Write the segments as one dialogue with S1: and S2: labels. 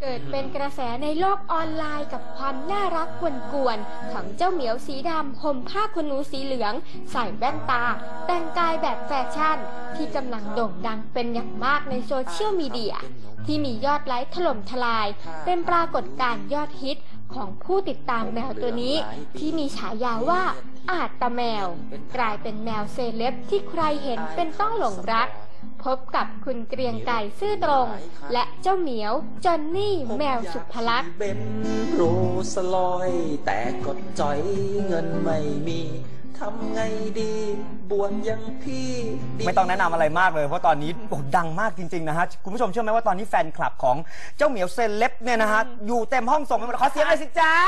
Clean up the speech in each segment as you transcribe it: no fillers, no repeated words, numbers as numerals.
S1: กิดเป็นกระแสในโลกออนไลน์กับความน่ารักกวนๆของเจ้าเหมียวสีดำห่มผ้าขนหนูสีเหลืองใส่แว่นตาแต่งกายแบบแฟชั่นที่กำลังโด่งดังเป็นอย่างมากในโซเชียลมีเดียที่มียอดไลค์ถล่มทลายเป็นปรากฏการณ์ยอดฮิตของผู้ติดตามแมวตัวนี้ที่มีฉายาว่าอาจตะแมวกลายเป็นแมวเซเลบที่ใครเห็นเป็นต้องหลงรักพบกับคุณเกรียงไก่ซื่อตรงและเจ้าเหมียวจอนนี่แมวสุภลักษณ์
S2: เป็นโรสลอยแต่กดจ่อยเงินไม่มีทำไงดีบวชยังพี่
S3: ไม่ต้องแนะนำอะไรมากเลยเพราะตอนนี้ดังมากจริงๆนะฮะคุณผู้ชมเชื่อไหมว่าตอนนี้แฟนคลับของเจ้าเหมียวเซเลบเนี่ยนะฮะอยู่เต็มห้องส่งไปหมดขอเสียงหน่อยสิจ๊ะ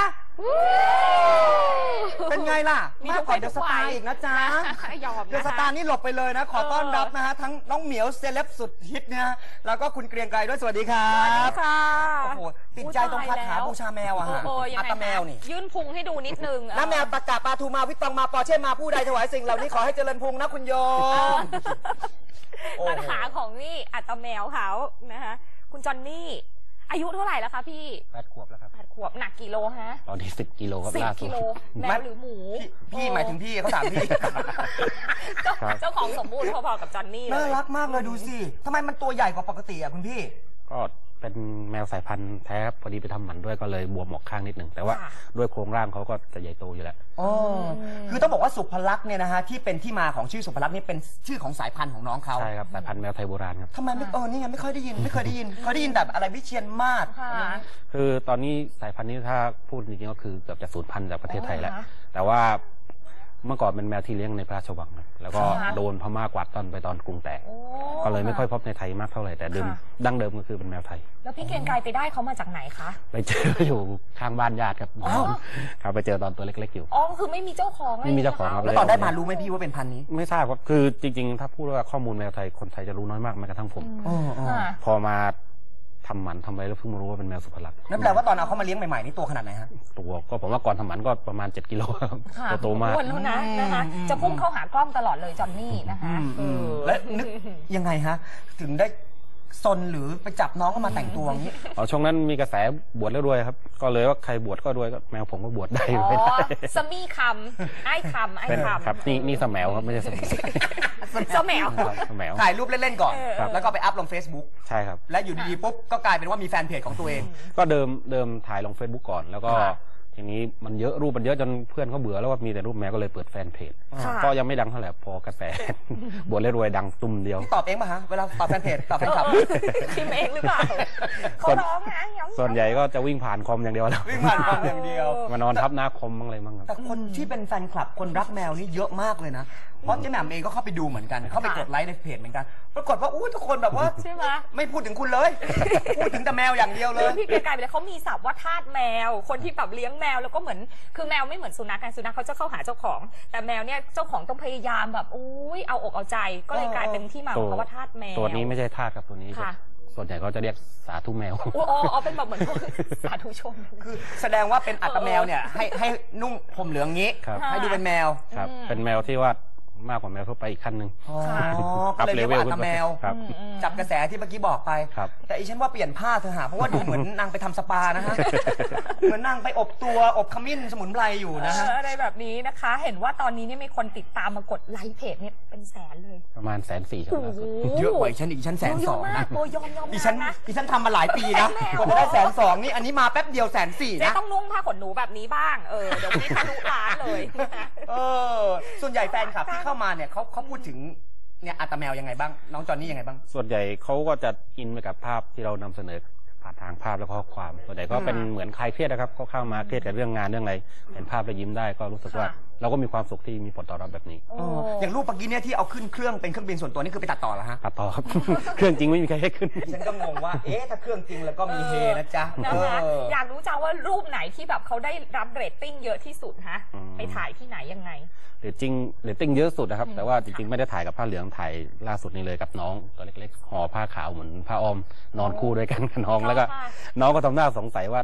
S3: เป็นไงล่ะมากกว่าเดอะสตาร์อีกนะจ๊ะเดอะสตาร์นี่หลบไปเลยนะขอต้อนรับนะฮะทั้งน้องเหมียวเซเลบสุดฮิตเนี่ยแล้วก็คุณเกรียงไกรด้วยสวัสดีครับ
S4: ค่ะ
S3: โอ้โหติดใจตรงคาถาบูชาแมวอะฮะอัตแมวนี่
S4: ยื่นพุงให้ดูนิดนึง
S3: น้าแมวตะกะปลาทูมาวิตองมาปอเช่มาผู้ใดถวายสิ่งเหล่านี้ขอให้เจริญพุงนะคุณโยม
S4: ปัญหาของนี่อัตแมวเขานะคะคุณจอนนี่อายุเท่าไหร่แล้วคะพี่
S3: 8 ขวบแล้วครับ
S4: 8 ขวบหนักกี่โลฮะ
S5: ตอนนี้10 กิโลครับ
S4: 10 กิโลแมวหรือหมู
S3: พี่หมายถึงพี่เขาถามพี่
S4: เจ้าของสมบูรณ์พอๆกับจอนนี่
S3: น่ารักมากเลยดูสิทำไมมันตัวใหญ่กว่าปกติอะคุณพี่
S5: ก็เป็นแมวสายพันธุ์แท้ครับพอดีไปทำหมันด้วยก็เลยบวมออกข้างนิดหนึ่งแต่ว่าด้วยโครงร่างเขาก็จะใหญ่โตอยู่แล้ว
S3: อ๋อคือต้องบอกว่าสุภลักษณ์เนี่ยนะฮะที่เป็นที่มาของชื่อสุภลักษณ์นี่เป็นชื่อของสายพันธุ์ของน้องเขา
S5: ใช่ครับสายพันธุ์แมวไทยโบราณครับ
S3: ทำไมไม่นี่ไงไม่ค่อยได้ยินเคยได้ยินแต่อะไรวิเชียรมาศ
S5: คือตอนนี้สายพันธุ์นี้ถ้าพูดจริงๆก็คือเกือบจะสูญพันธุ์จากประเทศไทยแล้วแต่ว่าเมื่อก่อนเป็นแมวที่เลี้ยงในพระราชวังแล้วก็โดนพม่ากวาดต้อนไปตอนกรุงแตกก็เลยไม่ค่อยพบในไทยมากเท่าไหร่แต่ดั้งเดิมก็คือเป็นแมวไทย
S4: แล้วพี่เกรียงไกรไปได้เขามาจากไหนคะ
S5: ไปเจออยู่ข้างบ้านญาติครับครับไปเจอตอนตัวเล็กๆอยู่
S4: อ๋อคือไม่มีเจ้าของ
S5: ไม่มีเจ้าของครับ
S3: แล้วตอนได้มารู้ไหมพี่ว่าเป็นพันธุ์นี้
S5: ไม่ทราบครับคือจริงๆถ้าพูดว่าข้อมูลแมวไทยคนไทยจะรู้น้อยมากแม้กระทั่งผมพอมาทำหมันทำอะไรแล้วเพิ่งมารู้ว่าเป็นแมวสุภลักษณ์
S3: นั่นแปลว่าตอนเอาเขามาเลี้ยงใหม่ๆนี่ตัวขนาดไหนฮะ
S5: ตัวก็ผมว่าก่อนทำหมันก็ประมาณ7 กิโลครับโตมาก
S4: อ้วนแล้วนะคะจะพุ่งเข้าหากล้องตลอดเลยจอนนี่นะคะ
S3: และนึกยังไงฮะถึงได้ซนหรือไปจับน้องเข้ามาแต่งตัวอย่างนี้
S5: ช่วงนั้นมีกระแสบวชแล้วด้วยครับก็เลยว่าใครบวชก็ด้วยก็แมวผมก็บวชได้
S4: ไม่ได้สมี่คำไอ้คำ
S5: ครับนี่สแมวครับไม่ใช่สมี่
S4: สแมว
S3: ถ่ายรูปเล่นๆก่อนแล้วก็ไปอัพลง Facebook
S5: ใช่ครับ
S3: และอยู่ดีๆปุ๊บก็กลายเป็นว่ามีแฟนเพจของตัวเอง
S5: ก็เดิมถ่ายลง Facebook ก่อนแล้วก็ทีนี้มันเยอะรูปมันเยอะจนเพื่อนเขาเบื่อแล้วว่ามีแต่รูปแมวก็เลยเปิดแฟนเพจก็ยังไม่ดังเท่าไหร่พอกระแสบวชแล้วรวยดังตุ้มเดียว
S3: ตอบเองป่ะฮะเวลาตอบแฟนเพจตอบแฟนคลับ
S4: พิมพ์เองหรือเปล่าเขาร้องนะ
S5: ส่วนใหญ่ก็จะวิ่งผ่านคอมอย่างเดียวแล้ว
S3: วิ่งผ่านคอมอย่างเดียว
S5: มานอนทับหน้าคอมบ้างอะไรบ้าง
S3: แต่คนที่เป็นแฟนคลับคนรักแมวนี่เยอะมากเลยนะเพราะเจ๊แหม่มเองก็เข้าไปดูเหมือนกันเข้าไปกดไลค์ในเพจเหมือนกันปรากฏว่าทุกคนแบบว่า
S4: ใช่ไหม
S3: ไม่พูดถึงคุณเลยพูดถึงแต่แมวอย่างเดียวเลย
S4: พี่เกรียงไกรไปเลยเขามีศัพท์ว่าทาสแมวคนที่แบบเลี้ยงแมวแล้วก็เหมือนคือแมวไม่เหมือนสุนัขกันสุนัขเขาจะเข้าหาเจ้าของแต่แมวเนี่ยเจ้าของต้องพยายามแบบเอาอกเอาใจก็เลยกลายเป็นที่มาของคำว่าทาสแมว
S5: ตัวนี้ไม่ใช่ทาสครับตัวนี้ส่วนใหญ่เขาจะเรียกสาธุแมว
S4: เป็นแบบเหมือนสาธุชน
S3: คือแสดงว่าเป็นอัตแมวเนี่ยให้นุ่งผมเหลืองงี้ให้ดูเป็นแมว
S5: ครับเป็นแมวที่ว่ามากกว่าแมวทั่วไปอีกขั้นหนึ่ง
S3: ก็เลยเรียกว่าอัตแมวจับกระแสที่เมื่อกี้บอกไปแต่อีฉันว่าเปลี่ยนผ้าเธอหาเพราะว่าดูเหมือนนางไปทำสปานะฮะเหมือนนางไปอบตัวอบขมิ้นสมุนไพรอยู่นะฮะ
S4: อะไรแบบนี้นะคะเห็นว่าตอนนี้เนี่ยมีคนติดตามมากดไลค์เพจเนี่ยเป็นแสนเลย
S5: ประมาณ140,000ครับ
S3: เยอะกว่าฉันอีกฉัน120,000นะ
S4: ยอม
S3: อีฉันทำมาหลายปีนะกว่าจะได้120,000นี่อันนี้มาแป๊บเดียว140,000นะ
S4: ต้องนุ่งผ้าขนหนูแบบนี้บ้างเดี๋ยวนี้ทะลุล้านเลย
S3: ส่วนใหญ่แฟนคลับที่เข้ามาเนี่ยเขาพูดถึงเนี่ยอัตแมวยังไงบ้างน้องจอนนี่ยังไงบ้าง
S5: ส่วนใหญ่เขาก็จะอินไปกับภาพที่เรานำเสนอผ่านทางภาพและข้อความส่วนใหญ่ก็เป็นเหมือนคลายเครียดนะครับเขาเข้ามาเครียดกับเรื่องงานเรื่องอะไรเห็นภาพแล้วยิ้มได้ก็รู้สึกว่าเราก็มีความสุขที่มีผลตอบรับแบบนี้
S3: อย่างรูปเมื่อกี้เนี่ยที่เอาขึ้นเครื่องเป็นเครื่องบินส่วนตัวนี่คือไปตัดต่อเหรอฮะ
S5: ตัดต่อครับเครื่องจริงไม่มีใครให้ขึ้น
S3: ฉันก็งงว่าถ้าเครื่องจริงแล้วก็มีเฮนะจ๊ะ
S4: อยากรู้จังว่ารูปไหนที่แบบเขาได้รับเรตติ้งเยอะที่สุดฮะไปถ่ายที่ไหนยังไง
S5: เรตติ้งเยอะสุดนะครับแต่ว่าจริงๆไม่ได้ถ่ายกับผ้าเหลืองถ่ายล่าสุดนี้เลยกับน้องตัวเล็กๆห่อผ้าขาวเหมือนผ้าอ้อมนอนคู่ด้วยกันกับน้องแล้วก็น้องก็ทำหน้าสงสัยว่า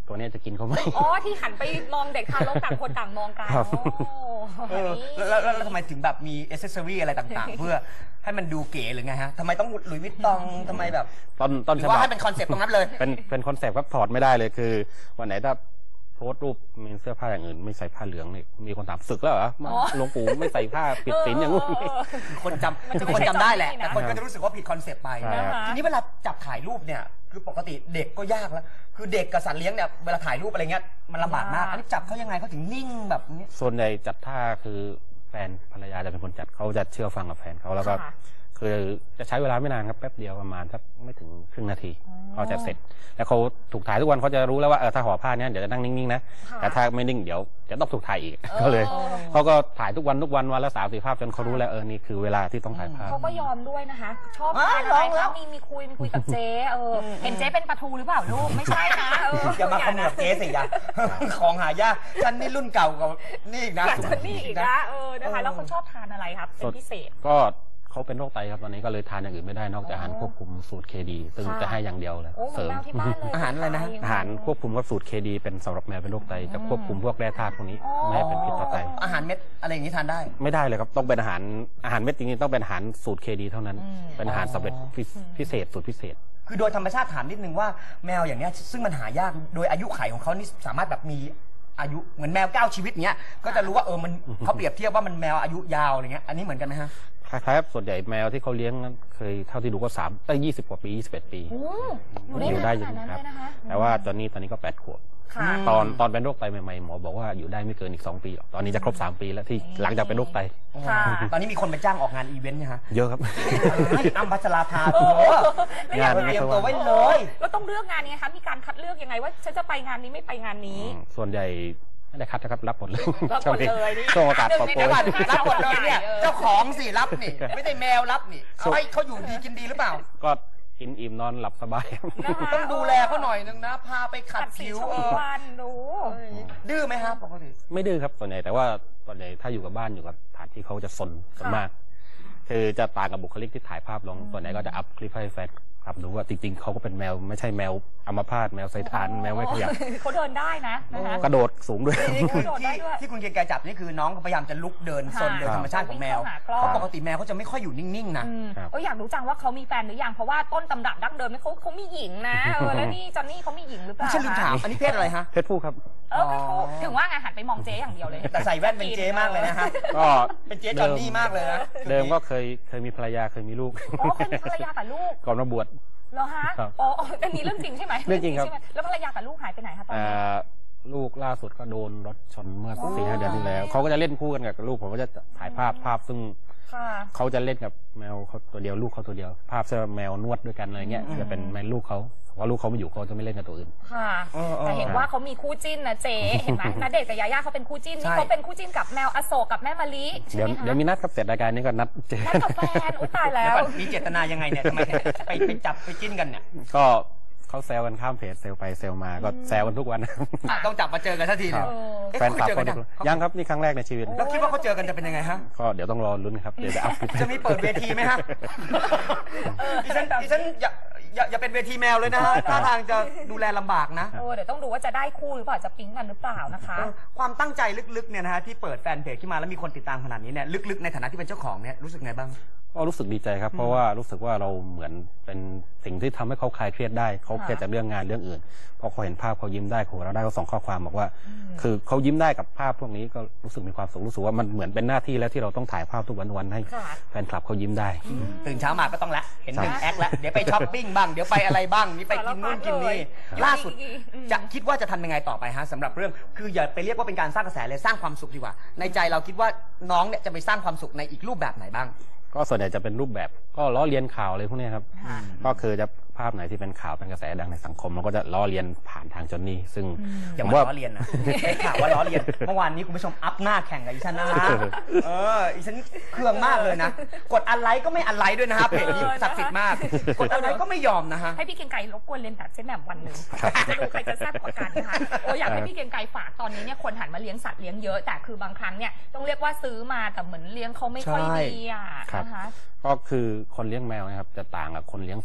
S5: ตัวนี้จะกินเขาไหม
S4: อ๋อที่หันไปมองเด็กทารกต่างคนต่างมองกัน
S5: ครับ
S3: แล้วทำไมถึงแบบมีอ c เซสซอรี่อะไรต่างๆ เพื่อให้มันดูเก๋หรือไงฮะทำไมต้องหลุยส์วิตตองทำไมแบบ
S5: ต้น
S3: หรื
S5: ฉ
S3: อ
S5: บั
S3: ว่า
S5: บ
S3: ให้เป็นคอนเซ็ปต์ตรงนั้นเลย
S5: เป็นคอนเซปต์ครับถอดไม่ได้เลยคือวันไหนถ้าโพสต์รูปมีเสื้อผ้าอย่างอื่นไม่ใส่ผ้าเหลืองเนี่ยมีคนถามศึกแล้วเหรอหลวงปู่ไม่ใส่ผ้าปิดศีลอย่างงู้น
S3: คนจำ
S4: มันจะ
S3: คนจำได้แหละ
S4: ไม่ใช่
S3: แต่คนก็จะรู้สึกว่าผิดคอนเซ็ปต์ไป
S5: ใช่ครับ
S3: ทีนี้เวลาจับถ่ายรูปเนี่ยคือปกติเด็กก็ยากแล้วคือเด็กกับสัตว์เลี้ยงเนี่ยเวลาถ่ายรูปอะไรเงี้ยมันลำบากมากอันนี้จับเขายังไงเขาถึงนิ่งแบบนี้
S5: ส่วนใหญ่จัดท่าคือแฟนภรรยาจะเป็นคนจัดเขาจะเชื่อฟังกับแฟนเขาแล้วก็
S4: ค่ะ
S5: คือจะใช้เวลาไม่นานครับแป๊บเดียวประมาณสักไม่ถึงครึ่งนาทีเขาจะเสร็จ แล้วเขาถูกถ่ายทุกวันเขาจะรู้แล้วว่าถ้าห่อผ้าเนี้ยเดี๋ยวจะนั่งนิ่งๆนะ
S4: ค่ะ
S5: แต่ถ้าไม่นิ่งเดี๋ยวจะต้องถูกถ่ายอีกก็เลยเขาก็ถ่ายทุกวันวันละ3-4 ภาพจนเขารู้แล้วนี่คือเวลาที่ต้องถ่ายภาพ
S4: เขาก็ยอมด้วยนะคะ ชอบทานอะไรคะมีคุยกับเจ๊เห็นเจ๊เป็นปลาทูหรือเปล่าลูกไม่ใช่นะ
S3: อย่ามาขมือบเจ๊สิอย่า ของหายากฉันนี่รุ่นเก่ากว่านี่อีกนะ
S4: อยากจะนี่อีกนะนะคะแล้วเขาชอบทานอะไรครับเป็นพิเศษ
S5: ก็เขาเป็นโรคไตครับตอนนี้ก็เลยทานอย่างอื่นไม่ได้นอกจากอาหารควบคุมสูตรเคดีซึ่งจะให้อย่างเดียวเลย
S4: โอ้เหมื
S5: เส
S4: อ
S5: ริ
S4: น
S5: ม
S4: แมวที่บ้านเลย
S3: อาหารอะไรนะ
S5: อาหารควบคุมกับสูตรเคดีเป็นสำหรับแมวเป็นโรคไตจะควบคุมพวกแร่ธาตุพวกนี้ไม่ให้เป็นพิษต่อไต
S3: อาหารเม็ดอะไรอย่างนี้ทานได้
S5: ไม่ได้เลยครับต้องเป็นอาหารเม็ดจริงๆต้องเป็นอาหารสูตรเคดีเท่านั้น เป็นอาหารสำเร็จพิเศษสูตรพิเศษ
S3: คือโดยธรรมชาติถามนิดนึงว่าแมวอย่างเนี้ยซึ่งมันหายากโดยอายุไขของเขานี่สามารถแบบมีอายุเหมือนแมว9 ชีวิตเนี้ยก็จะรู้ว่ามันเขาเปรียบเทียบว่ามันแมวอายุยาวอะไรเงี้ยอันนี้เหมือนกันไหมฮะ
S5: คล้ายๆส่วนใหญ่แมวที่เขาเลี้ยงนั้นเคยเท่าที่ดูก็20 กว่าปี21 ปี อยู่ได้
S4: ข
S5: อยู่
S4: นาดนั้น
S5: ครับ
S4: เลยนะคะ
S5: แต่ว่าตอนนี้ก็8 ขวบ
S4: ค่ะ
S5: ตอนเป็นโรคไตใหม่ๆหมอบอกว่าอยู่ได้ไม่เกินอีก2 ปีหรอกตอนนี้จะครบ3 ปีแล้วที่หลังจากเป็นโรคไต
S4: ค่ะ
S3: ตอนนี้มีคนไปจ้างออกงานอีเวนต์เนี่ยฮะ
S5: เยอะครับ
S3: อ้ำพัชราภาโถ
S5: งาน
S3: เตรียมตัวไว้เลย
S4: แล้วต้องเลือกงานนี้คะมีการคัดเลือกยังไงว่าฉันจะไปงานนี้ไม่ไปงานนี้
S5: ส่วนใหญ่ไม่ได้คัดนะครับรับหมดเลย
S4: รับหมดเลยนี่
S5: ช่วงโอกาสปลด
S3: เดี๋ยวก่อน
S5: โปรย
S3: รับหมดเลยเนี่ยเจ้าของสิรับนี่ไม่ได้แมวรับนี่เอาให้เขาอยู่ดีกินดีหรือเปล่า
S5: ก็กินอิ่มนอนหลับสบาย
S4: นะคะ
S3: ต้องดูแลเขาหน่อยนึงนะพาไปขัด
S4: สี
S3: ผิว
S4: ชมวันดู
S3: ดื้อไหมครับปกติ
S5: ไม่ดื้อครับส่วนใหญ่แต่ว่าส่วนใหญ่ถ้าอยู่กับบ้านอยู่กับสถานที่เขาจะซนมาก คือจะต่างกับบุคลิกที่ถ่ายภาพลงส่วนใหญ่ก็จะอัพคลิปให้แฟนครับดูว่าจริงๆเขาก็เป็นแมวไม่ใช่แมวอัมพาตแมวไซทานแมวไม่ขยับ
S4: เขาเดินได้นะคะ
S5: กระโดดสูงด้วย
S3: นี่คือ
S4: โดดได้ด้วย
S3: ที่คุณเกรียงไกรจับนี่คือน้องเขาพยายามจะลุกเดินซนโดยธรรมชาติของแมว
S4: วิ่งเข้าหากล้อง
S3: เพราะปกติแมวเขาจะไม่ค่อยอยู่นิ่งๆนะ
S5: ครับ
S4: อยากรู้จังว่าเขามีแฟนหรือยังเพราะว่าต้นตำรับดั้งเดิมเนี่ยเขามีหญิงนะแล้วนี่จอนนี่เขามีหญิงหรือเปล่า
S3: ฉันลืมถามอันนี้เพศอะไรฮะ
S5: เพศผู้ครับ
S4: ถึงว่าไงหันไปมองเจ๊อย่างเดียวเลย
S3: แต่ใส่แว่นเป็นเจ๊มากเลยนะฮะ
S5: ก็
S3: เป็นเจ๊จอนนี่มากเลยนะ
S5: เดิมก็เคยมีภรรยาเคยมีลูก
S4: อ๋อเคยมีภรรยากับลูก
S5: ก่อนมาบวช
S4: เหรอฮะ
S5: ครับ
S4: อ๋ออันนี้เรื่องจริงใช่ไหม
S5: เรื่องจริงครับ
S4: ใช่ไหมแล้วภรรยากับลูกหายไปไหนคะตอนนี้
S5: ลูกล่าสุดก็โดนรถชนเมื่อ4-5 เดือนที่แล้วเขาก็จะเล่นคู่กันกับลูกผมก็จะถ่ายภาพซึ่ง
S4: ค่ะ
S5: เขาจะเล่นกับแมวเขาตัวเดียวลูกเขาตัวเดียว ภาพจะแมวนวดด้วยกันอะไรเงี้ยจะเป็นแมวลูกเขาเพราะลูกเขาไม่อยู่เขาจะไม่เล่นกับตัวอื่น
S4: ค่ะ แต่เห็นว่าเขามีคู่จิ้นนะเจ๊เห็นไหมณเดชน์กับยาย่าเขาเป็นคู่จิ้นนี่เขาเป็นคู่จิ้นกับแมวอโศกกับแม่มะลิใช่
S5: เดี๋ยว
S4: ไหมคะ
S5: เดี๋ยวมีนัดครับเสร็จรายการนี้ก็นัดเจอ
S4: นัดกับแฟนอุ๊ยตายแล้ว
S3: มีเจตนายังไงเนี่ยทำไมไปจับไปจิ้นกันเนี่ย
S5: ก็เขาแซวกันข้ามเพจเซลไปเซลมาก็แซวกันทุกวัน
S3: ต้องจับมาเจอกันทันทีเลย
S5: แฟนคลับเขายังครับนี่ครั้งแรกในชีวิต
S3: แล้วคิดว่าเขาเจอกันจะเป็นยังไงฮะ
S5: ก็เดี๋ยวต้องรอลุ้นครับเดี๋ยวจะอัพคลิป
S3: จะมีเปิดเวทีไหมฮะดิฉันอย่าเป็นเวทีแมวเลยนะฮะท่าทางจะดูแลลำบากนะ
S4: เดี๋ยวต้องดูว่าจะได้คู่หรือเปล่าจะปิ๊งกันหรือเปล่านะคะ
S3: ความตั้งใจลึกๆเนี่ยนะฮะที่เปิดแฟนเพจขึ้นมาแล้วมีคนติดตามขนาดนี้เนี่ยลึกๆในฐานะที่เป็นเจ้าของเนี่ยรู้สึกไงบ้าง
S5: ก็รู้สึกดีใจครับเพราะว่ารู้สึกว่าเราเหมือนเป็นสิ่งที่ทำให้เขาคลายเครียดได้เขาเครียดจากเรื่องงานเรื่องอื่นพอเขาเห็นภาพเขายิ้มได้เขาเราได้เขาส่งข้อความบอกว่า คือเขายิ้มได้กับภาพพวกนี้ก็รู้สึกมีความสุขรู้สึกว่ามันเหมือนเป็นหน้าที่แล้วที่เราต้องถ่ายภาพทุกวันให้แฟนคลับเขายิ้มได้
S3: ตื่นเช้ามาก็ต้องละเห็นหนึ่งแอคแล้วเดี๋ยวไปช้อปปิ้งบ้างเดี๋ยวไปอะไรบ้างนี่ไปกินนู่นกินนี่ล่าสุดจะคิดว่าจะทำยังไงต่อไปฮะสำหรับเรื่องคืออย่าไปเรียกว่าเป็นการสร้างกระแสเลยสร้างความสุขดีกว่าในใจเราคิดว่าน้องเนี่ยจะไปสร้างความสุขในอีกรูปแบบไหนบ้าง
S5: ก็ส่วนใหญ่จะเป็นรูปแบบก็ล้อเลียนข่าวอะไรพวกนี้ครับก็คือจะภาพไหนที่เป็นข่าวเป็นกระแสดังในสังคมมันก็จะล้อเลียนผ่านทางจอนนี่ซึ่ง
S3: อย่า
S5: ผม
S3: มา
S5: ว่า
S3: ล้อเลียนนะได้ข่าวว่าล้อเลียนเมื่อวานนี้คุณผู้ชมอัพหน้าแข่งกับอีฉันนะอีฉันเครื่องมากเลยนะกดอันไลค์ก็ไม่อันไลค์ด้วยนะครับเพจนี้ศักดิ์สิทธิ์มากกดอันไลค์ก็ไม่ยอมนะฮะ
S4: ให้พี่เกรียงไกรรบกวนเรียนแบบเจ๊แหม่มวันหนึ่งจะดูใครจะแซ่บกว่ากันนะคะอยากให้พี่เกรียงไกรฝากตอนนี้เนี่ยคนหันมาเลี้ยงสัตว์เลี้ยงเยอะแต่คือบางครั้งเนี่ยต้องเรียกว่าซื้อมาแต่เหมือนเลี้ยงเขาไม่ค่อยดีอ่ะนะคะ
S5: ก็คือคนเลี้ยงแมวนะครับจะต่างกับคนเลี้ยงสัตว์ประ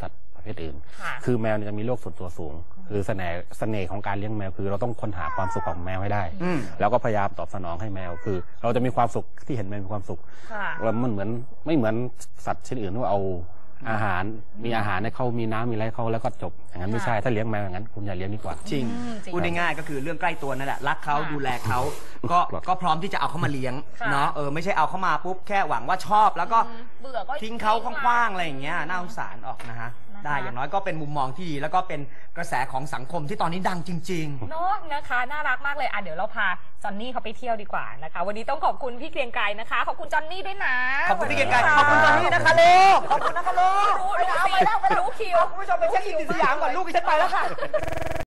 S5: เภทอื่น
S4: ค่ะ
S5: คือแมวเนี่ยจะมีโลกส่วนตัวสูง คือเสน่ห์ของการเลี้ยงแมวคือเราต้องค้นหาความสุขของแมวให้ได้ แล้วก็พยายามตอบสนองให้แมวคือ เราจะมีความสุขที่เห็นแมวมีความสุข
S4: ค่ะ
S5: แล้วมันไม่เหมือนสัตว์ชนิดอื่นว่าเอาอาหารมีอาหารให้เขามีน้ำมีอะไรเขาแล้วก็จบอย่างนั้นไม่ใช่ถ้าเลี้ยงแมวอย่างนั้นคุณอย่าเลี้ยงดีกว่า
S3: จริง
S4: จริง
S3: พูดง่ายๆก็คือเรื่องใกล้ตัวนั่นแหละรักเขา
S4: ค่ะ
S3: ดูแลเขาก็พร้อมที่จะเอาเขามาเลี้ยง
S4: ค่ะ
S3: เนาะไม่ใช่เอาเขามาปุ๊บแค่หวังว่าชอบแล้วก็
S4: เบื่อก็
S3: ทิ้งเขาคว้างๆอะไรอย่างเงี้ยน่าสงสารออกนะฮะได้อย่างน้อยก็เป็นมุมมองที่ดีแล้วก็เป็นกระแสของสังคมที่ตอนนี้ดังจริง
S4: เนาะนะคะน่ารักมากเลยเดี๋ยวเราพาจอนนี่เขาไปเที่ยวดีกว่านะคะ วันนี้ต้องขอบคุณพี่เกรียงไกรนะคะ ขอบคุณจอนนี่ด้วยนะ
S3: ๆ ขอบคุณพี่เกียรติกายขอบคุณตอนนี้นะคะลูกขอบคุณนะคะลูก
S4: รู้คิว
S3: คุณผู้ชมไปเช็คอินที่สยามก่อนลูกดิฉันไปแล้วค่ะ